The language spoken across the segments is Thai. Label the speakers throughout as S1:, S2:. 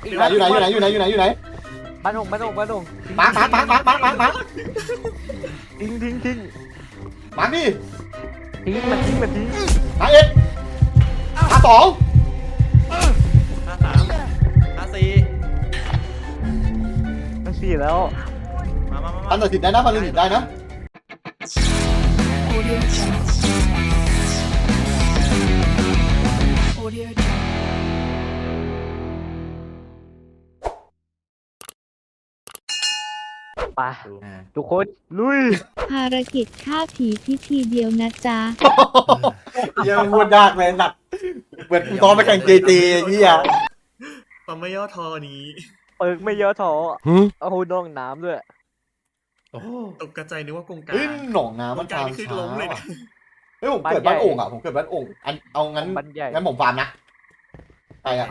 S1: อยู่ไหน
S2: บ้านหง
S1: มา
S2: ทิ้ง
S1: มาดิ
S2: ทิ้งมันทิ้ง
S1: มาเอ็ดมาสอง
S3: 53
S2: มันสี่แล้ว
S1: ปันตัดสินได้นะปันตัดสินได้นะ
S4: Audio Jungle. Audio Jungle.
S2: ไปทุกคนลุย
S5: ภารกิจฆ่าผีพิธีเดียวนะจ๊ะ
S1: ยังพูดยากเลยหนักเหมือนตอนไปแข่งเจเจนี่อ่ะ
S3: ความไม่ย่อท้อนี้
S2: เปิกไม่เยอะท้อเอาน้องน้ำด้วย
S3: ตกกระจายนึกว่ากงกา
S1: เฮ้ย
S3: ร
S1: หนองน้ำ
S3: ก
S1: มัน
S3: งการ
S1: ทาง
S3: นี่คือ
S1: ช้า
S3: ล้มเลยนะ
S1: เฮ้ยผมเกิดบ้านโอ่งอ่ะผมเกิดบ้านโอ่งอันเอางั้น
S2: บ้านใหญ่
S1: งั้นผมฟาร์มนะไปอ่ะ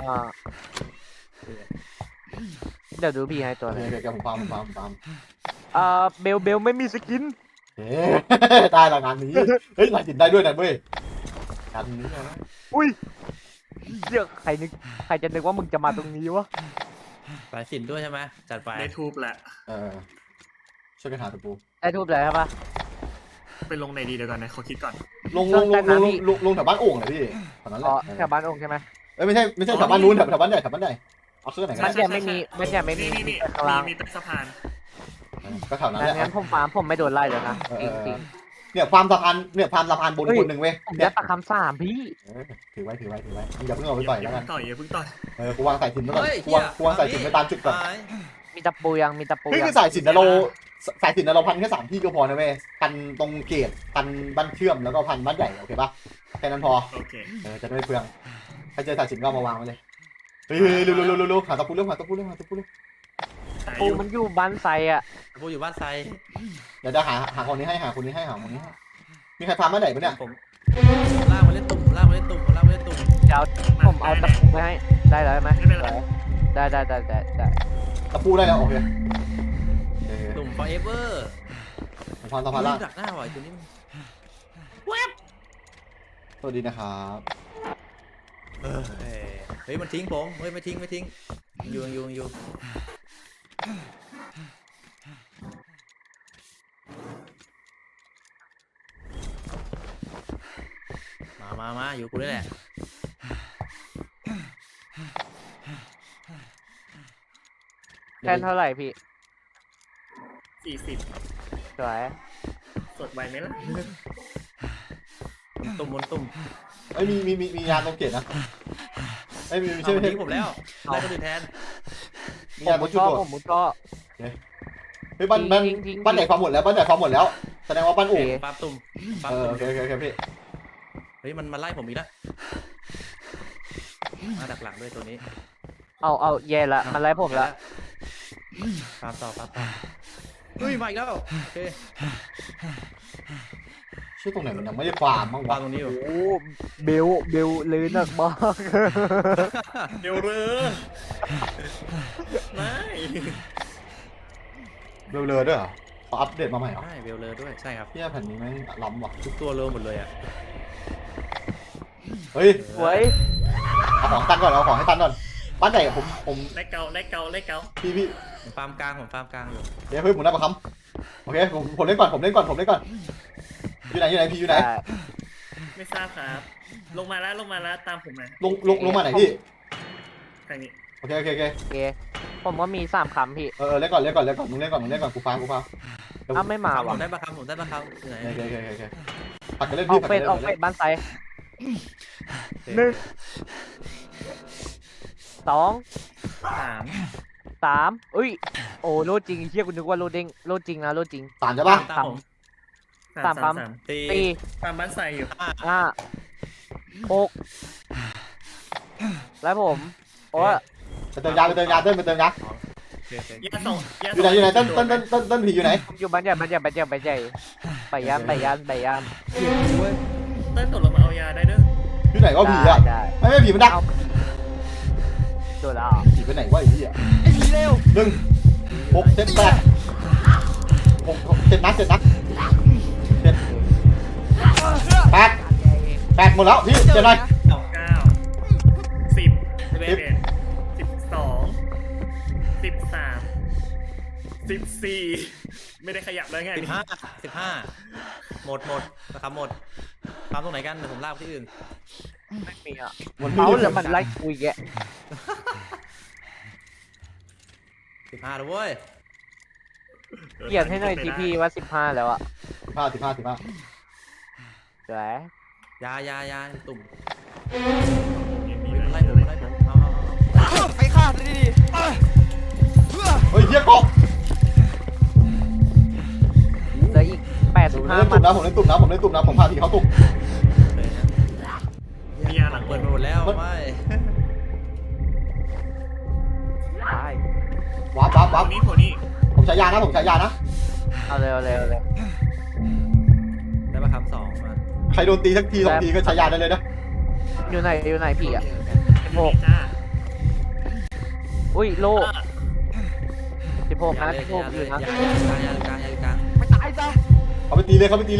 S2: เดี๋ยวดูพี่ให้ตัว
S1: โอ
S2: ห
S1: เค
S2: นึง
S1: โอเคผมฟาร์ม
S2: เบลไม่มีสกิน
S1: เฮ้ยได้ละงานนี้เฮ้ยหลายสินได้ด้วยนะเว้ยงานนี้นะ
S2: อุ้ยเดี๋ยวใครจะนึกว่ามึงจะมาตรงนี้วะ
S6: สายสินด้วยใช่ไหมจัดไป
S3: ได้ทูบแหละ
S1: ช่วยกันหาตะปู
S2: ได้ทูบเลยใช่ปะ
S3: ไปลงในดีเดี๋ยวก่อนนะขอคิดก่อน
S1: ลงแถวบ้านโอ่งเลยพี่แถวนั้นแห
S2: อ๋
S1: ละ
S2: อแถวบ้านองค์ใช่ไหม
S1: เอ้ยไม่ใช่แถวบ้านนู้นแถวบ้านใหญ่เอาเครื่องไหนกัน
S2: บ้านใหญ่ไม่มีบ้านใหญ่ไม่มี
S3: นี่
S2: ข้างล่าง
S3: มีใต้สะพาน
S1: ก็แถวนั้นแหละ
S2: งั้นผมฟาร์มผมไม่โดนไล่แล้วนะจริง
S1: เนี่ยความสะพานเนี่ยความสะพานบนคนหนึ่งเว้ย
S2: ๆผม
S1: เนี่
S2: ได้
S1: ย
S2: ปากคำสามพี่
S1: ถือไว้อย่าเพิ่งเอาไปต่อย
S3: อย่า
S1: แล้วกั
S3: เพิ่
S1: น
S3: งต่อยอย่าเพิ่งต่อย
S1: กูวางสายสินไว้ก่อน
S6: เฮ้ย
S1: กูวางสายสินไปตามจุดก่อน
S6: หาย
S2: มีตะปูยังมีตะปู
S1: เฮ้ย
S2: ยั
S1: คื
S2: ง
S1: อสายสินนะเราพันแค่3ที่ก็พอนะเว้ยพันตรงเกตพันบ้านเชื่อมแล้วก็พันบ้านใหญ่โอเคปะแค่นั้นพอ
S3: โอเค
S1: จะไม่เปลืองถ้าเจอสายสินก็เอามาวางไว้เลยเฮ้ยเร็วหาตะปูเร็ว
S2: ปูมันอยู่บ้านไซอ่ะ
S6: กูอยู่บ้านไซ
S1: เดี๋ยวจะหาคนนี้ให้มีใครพามาไหนปะเนี่ย
S6: ผมลากมาเล่นตุ่ม
S2: เดี๋ยวผมเอาตะปูไปให้ได้แล้วไหมได้
S1: ตะปูได้แล้วโอเค
S6: ตุ่ม forever
S1: ผมพาตะพาล่า
S6: ดักหน้าว่ะตัวนี้มัน
S1: สวัสดีนะครับ
S6: เฮ้ยมันทิ้งผมเฮ้ยไม่ทิ้งอยู่มาอยู่กูนี่แหละ
S2: แทนเท่าไหร่พี่
S3: 40
S2: สวย
S3: สดไวไหมล่ะ
S6: ตุ่มตุ่ม
S1: เอ้ยมียานตรงเกตนะเอ้ยมี
S6: เอา
S1: ใช่ไหม
S6: ทิ้งผมแล้วไล่คนอื่นแทน
S1: มี
S2: ผ
S1: ยาน
S2: ม
S1: ตร
S2: มุ
S1: ง
S2: ด
S1: จุด
S2: ก็
S1: โดด
S2: ผมมุดก็
S1: เฮ้ยบ้านไหนความหมดแล้วแสดงว่าบ้านโอ่ง
S6: ปาตุ่ม
S1: โอเคพี่
S6: เฮ้ยมันมาไล่ผมอีกแล้วมาดักหลังด้วยตัวนี้
S2: เอาแย่ละมันไล่ผมละ
S6: ปาต่อเฮ้ยมาอีกแล้วโอเค
S1: ชื่อตรงไหนมันยังไม่ได้ฟาร์มบ้างะ
S6: วาวงตรงนี้อยู่
S2: โอ้เบลเลยหนักมาก
S3: เดี๋ยวเรือไม่
S1: เบลอด้วยเหรอเขาอัปเดตมาใหม่เหรอ
S6: ใช่เวลเลอร์ด้วยใช่ครับ
S1: พี่แผ่นนี้ไม่ล้ำว่ะ
S6: ทุกตัวเร็วหมดเลยอ่ะ
S1: เฮ้ย
S2: สวย
S1: เอาของตันก่อนบ้านไหนผม
S3: ไล่เกา
S1: พี่
S6: ผมฟาร์มกลางอยู่
S1: เดี๋ยวเฮ้ยผมได้ประคำโอเคผมเล่นก่อนอยู่ไหนพี่อยู่ไหน
S3: ไม่ทราบครับลงมาแล้วตามผมมา
S1: ลงมาไหนพี่
S3: ทางนี้
S1: โอเค
S2: โอเคผมว่ามี3 คำพี่
S1: เล่นก่อนมึงเล่นก่อนกูฟัง
S2: อ้าวไม่มา
S6: ผ
S2: ว่ะ
S6: มได้ประคำอยู่ไหน
S1: โอเคผัดกันเล่น
S2: อ
S1: พี่
S2: อกเป็ดบ้านไซ 2 3อุ้ยโอ้โลดจริงเชี่ยกูนึกว่าโลดจริงนะโลดจริง
S1: สามใช่ปะ
S6: ตามผม
S2: ตามปั๊ม
S6: ตี
S3: ตามบ้านใส่อยู่
S2: 5 6แล้วผมโอ้
S1: ไปเติมยาเต้น
S6: โอเค
S3: ยาส่ง
S1: อยู่ไหนต้นผีอยู่ไหน
S2: อยู่บ้านใหญ่ไปย่าน
S3: เต้นตกลงมาเอายาได้เด้อ
S1: อยู่ไหนวะผีอ่ะ
S2: ได้
S1: ไม่ผีมันดัก
S2: โดนแล้ว
S1: ผีไปไหนวะไอ้พี่อ่ะ
S2: เร็ว
S1: 1 6 7 8 7 นัด7 8หมดแล้วพี่เจ็บเลย
S3: 9 10 11 12 14ไม่ได้ขยับเลยไง
S6: 15หมดนะครับหมดทำตรงไหนกันเดี๋ยวผมลากไปที่อื่น
S2: ไม่มีอ่ะ
S1: มัน
S2: เขา
S1: ไม่
S2: แล้วมันไล่คุยแก
S6: 15แล้วเว้ย
S2: เขียนให้หน่อยทีพีว่า15แล้วอ่ะ
S1: 15
S2: สวย
S6: ยาตุ่ม
S3: มี
S6: ไล่
S3: ไล่
S6: ผมเอา
S7: ไปฆ่าดิดิ
S1: เฮ้ยเฮียเกาะ
S2: เหลืออีก
S1: ผมเล่น
S2: 85
S1: ตุ่มนะผมเล่นตุ่มนะผมพาผีเขาตุ่ม
S6: เลยนะ
S3: มียาหลัง
S6: เปิดไปหมดแล้วไม่
S2: ตาย
S1: วับ
S3: โผล่นี้
S1: ผมใช้ยานะ
S2: เอาเลย
S6: ได้มาคำ2มา
S1: ใครโดนตีสักที2ทีก็ใช้ยาได้เลยนะ
S2: อยู่ไหนพี่อ่ะ
S3: 16จ้า
S2: อุ้ยโล16นะ16อยู่นะ
S6: ยากลาง
S7: ไปตายซะ
S1: เขาไปตีเลย
S2: 17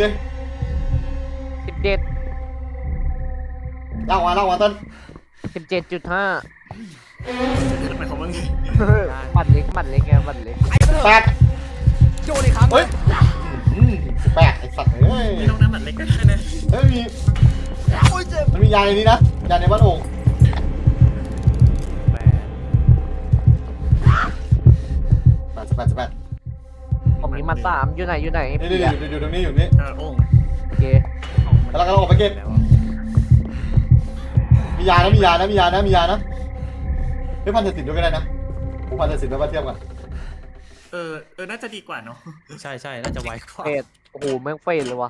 S1: ล่างมาต้น
S2: 17.5
S3: ไปของมึง
S2: บัตรเล็กไงบัตรเล็ก
S7: ไอ้เถอะ
S1: 8
S7: โจอีกครั้ง
S1: เฮ้ย18ไอ้สัตว์เอ้ย
S3: ไม่ต้องน้ำหนักเล็กก็ได้นะ
S1: เฮ้ยมี
S7: โอ้ยเจ็บ
S1: มันมียาในนี้นะยาในบ้านโอ่ง18
S2: ผมมีมา3อยู่ไหน
S1: นี่อยู่ตรงนี้อยู่นี่
S3: โอ่ง
S2: โอเค
S1: แล้วก็ออกไปเก็บมียานะเฮ้ยพันธสิทธิ์ด้วยก็ได้นะผมพันธสิทธิ์ไปว่าเทียบกัน
S3: น่าจะดีกว่าเนาะ
S6: ใช่น่าจะไวกว่า
S2: เฟดโอ้โหแม่งเฟดเลยวะ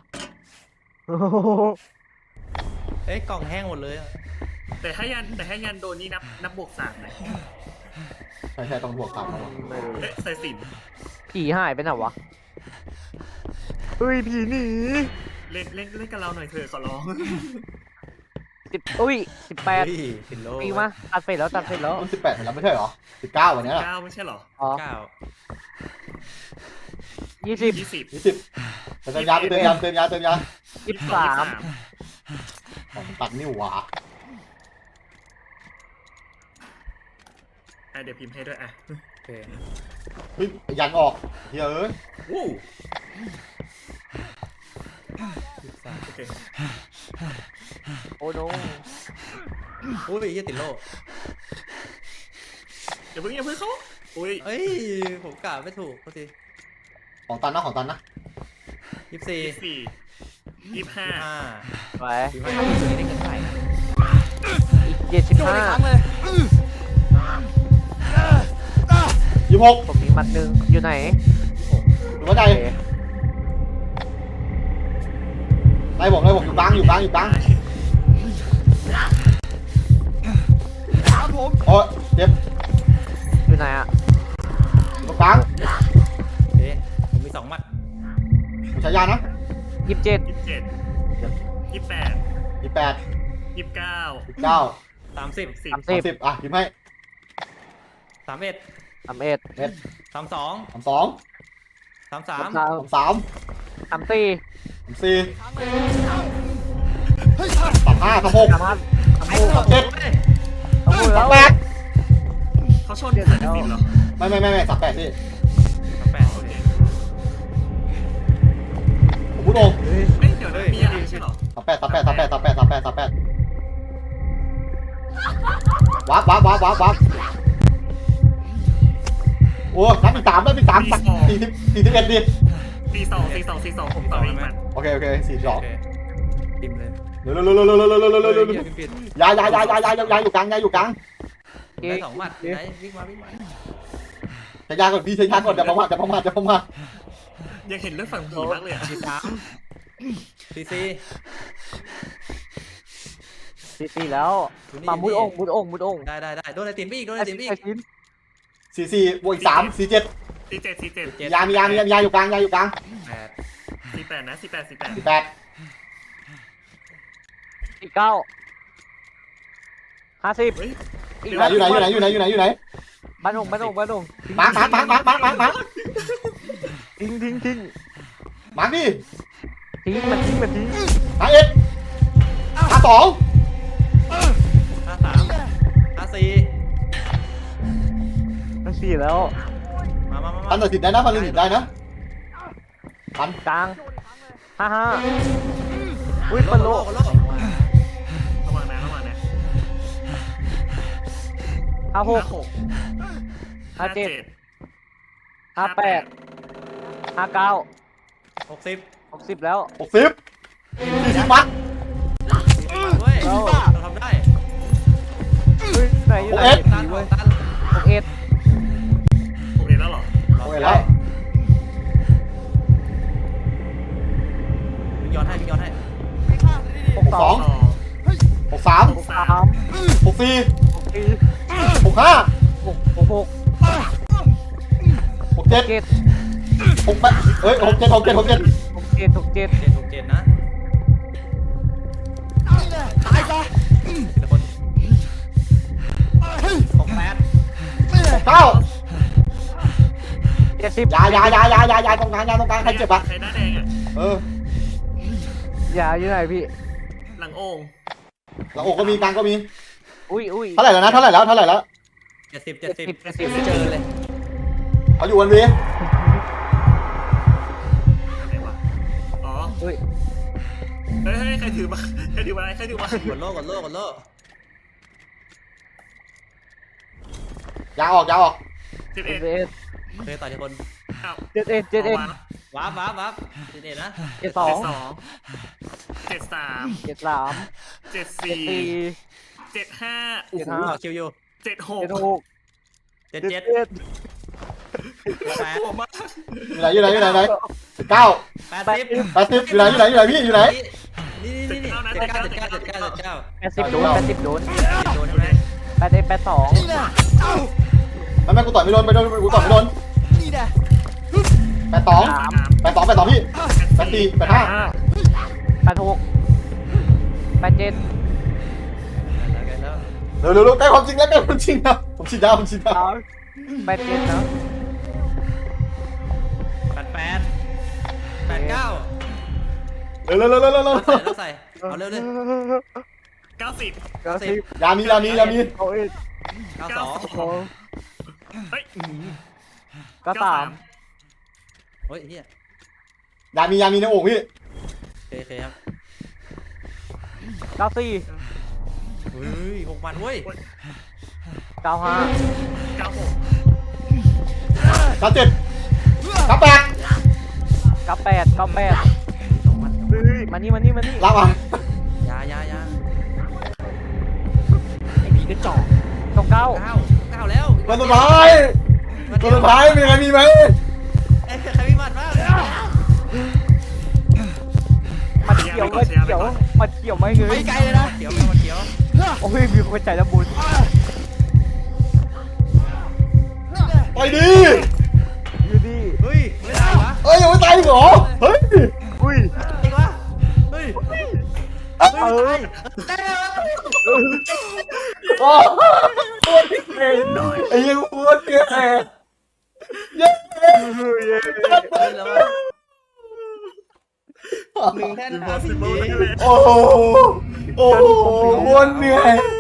S6: เอ้ยกล่องแห้งหมดเลย
S3: แต่ถ้ายันโดนนี่นับบวก3เลย
S1: ใช่ต้องบวก3แล้ว
S2: ไม่รู้
S3: ใส่สิน
S2: ผีหายไปไหนวะเฮ้ยผีหนี
S3: เล่นกับเราหน่อยเถอะขอร้อง
S2: อุ้ย18
S6: ติดโล
S2: ปีมาตัดเฟดแล้ว
S1: มัน18แล้วไม่ใช่เหรอ19วันนี้
S3: 9ไม่ใช่หรอ
S2: อ๋อ
S3: 20
S1: 20เติมยา
S2: 23
S1: ตัดนิ้วหวา
S3: เดี๋ยวพิมพ์ให้ด้วยอ่ะ
S6: โอเค
S1: เฮ้ยยันออกเฮ้ยเอ้ย
S3: วู้โอเค
S2: โอ้โน
S6: อุ้ยยี่ติดโล
S3: อย่าเพิ่งเขาอุ้ย
S6: เอ้ยผมกะไม่ถูกพอดี
S1: ของตันนะ
S6: 24
S3: 25
S2: ไป
S6: 25ตัวนี้ได้เงินเท่าไหร่นะ
S2: อีก
S7: โจอีกครั้งเลย
S1: 26
S2: ผมมีมัดหนึ่งอยู่ไหน
S1: หรือว่าใด
S2: โอเค
S1: ไล่ผมอยู่กลาง
S7: ตามผม
S1: โอ้ยเจ็บ
S2: อยู่ไหนอ่ะ
S1: ตรงกลาง
S6: โอเคผมมี2 มัด
S1: ผมใช้ยานะ
S2: 27
S3: 27 28
S1: 28
S3: 29
S1: 19
S6: 30
S1: 30อ่ะพิมพ์ให้
S6: 31
S2: 31
S1: เม็ด
S6: 32
S1: 32
S6: 33
S1: 33
S2: 34
S1: 34 35 36
S2: 35
S1: 37
S2: 37แล้ว
S1: 38
S3: เขาชนใส่สินเหรอ
S1: ไม่38พี่
S6: 38โอเค
S1: ผมพูดตรง
S3: เดี๋ยวนะมีอะไรใช่หรอ
S1: 38วับโอ้นับอีก340 41ดิ
S3: 42ผมต่ออีกมัน
S1: โอเค42
S6: ติมเลย
S1: เร็วยาอยู่กลาง
S6: ได้2 มัดไหนวิ่งมา
S1: ใช้ยาก่อนพี่ใช้ยาก่อนจะประมาท
S3: ยังเห็นเรื่องฝั่งผีมากเลยอ่ะ
S6: CC
S2: 44แล้วมามุดองค์
S6: ได้โดนไอติมไปอีก
S2: ไอ้ชิ้น
S1: 44บวกอีก3 47
S3: 47
S1: ยาอยู่กลาง
S6: 8
S3: 48นะ48
S1: 48
S2: 49 50
S3: เฮ้ย
S1: อยู่ไหน
S2: บ้านอง
S1: มา
S2: ทิ้ง
S1: มาดิ
S2: มันทิ้ง
S1: มาเอ็ดมา2
S6: 53 54
S2: สี่แล้ว
S6: มา
S1: พันตัดสินได้นะพันตัดสินได้นะพัน
S2: กลาง55อุ้ย
S6: โล
S2: ปันโล
S6: โล
S3: ระวังนะ
S2: 56 57 58 59
S6: 60
S2: 60แล้ว
S1: 60 40มัด
S6: เว้ยเราทำได้
S2: เฮ้ยไหนอยู่ไหน
S6: ตัน
S2: เว้ย
S6: ตัน
S2: 61
S3: โอเคแล้วเหรอ
S1: โอเคแล้ว
S6: วิ่งย้อนให้
S1: 62
S3: ต่อ
S1: 63
S2: 63
S1: 64 65
S2: 66
S1: 67 68เฮ้ย67
S6: 767นะ
S7: ตายซะ
S6: ทีละคน68
S1: 69
S2: 70
S1: ยาตรงกลางใครเจ็บอ่ะ
S3: ใครหน้าแดงอ่ะ
S1: เออ
S2: อย่าอยู่ไหนพี่
S3: หลังโอ่ง
S1: แล้วอกก็มีกลางก็มี
S2: อุ้ย
S1: เท่าไหร่แล้วนะเท่าไหร่แล้ว
S6: 70
S7: ไม่เจอเลย
S1: เขาอยู่วันวี
S3: อะไรวะอ๋อ
S2: อุ้ย
S3: เฮ้ยใครถือมาใครถือมา
S6: กดโล
S1: ยาออก
S3: 11
S6: โอเคต่อทีคน
S3: อ้าว
S2: 71
S6: วาร์ป11นะ
S3: 72 73
S2: 73
S3: 74 75
S6: 75คิวอยู่
S3: 76
S6: 77
S3: โอ้มาก
S1: อยู่ไหน9
S6: 80
S1: 80อยู่ไหนพี่อยู่ไหน
S6: นี่79
S2: 80โดน
S6: โดนใช่ไหม
S2: 82
S7: นี่แน่เอ้า
S1: ไม่กูต่อยไม่โดนกูต่อยไม่โดน
S7: นี่แน่
S1: 82 82พี่84 85
S2: 86 87
S1: เร็วใกล้ความจริงแล้วผมฉีดยา
S2: 87นะ
S6: 88 89
S1: เร็ว
S6: ใส่เอาเร็วเลย
S3: 90
S2: 90
S1: ยามี
S2: เอาอีก
S6: 92
S3: เฮ้ย
S2: 93
S6: โอ้ยเฮีย
S1: ยามีในอกพี่
S6: โอเคครับ
S2: 94
S6: เฮ้ย6,000เว้ย
S2: 95
S3: 96
S1: 97 98
S2: 98
S6: 2,000
S2: เฮ้ยมานี่
S1: ลากมาย
S6: า
S7: ไอ้ผีกระจอก
S2: 99
S6: 9แล้ว
S1: วันสุดท้ายมีใครมีไหม
S6: ใครมีบัตรบ้าง
S2: มันเขียวไหมเง
S7: ไป
S2: ย
S7: ไกลเลยนะ
S6: เขียวมาเขียว
S2: โอ้ยมีคนใจละบุญ
S1: ไปดิ
S2: อยู่ดี
S6: เฮ้ยไม่ได้วะ
S1: ยังไม่ตายอีกเหรอเฮ้ย
S2: อุ้ย
S6: อีกวะเฮ้ย
S1: โอ้โหปวดเก่งไอ้ยังปวดเก่งเย้
S6: แล้ว1 แท่น
S3: Impossible
S1: โอ้โหปวดเหนื่อย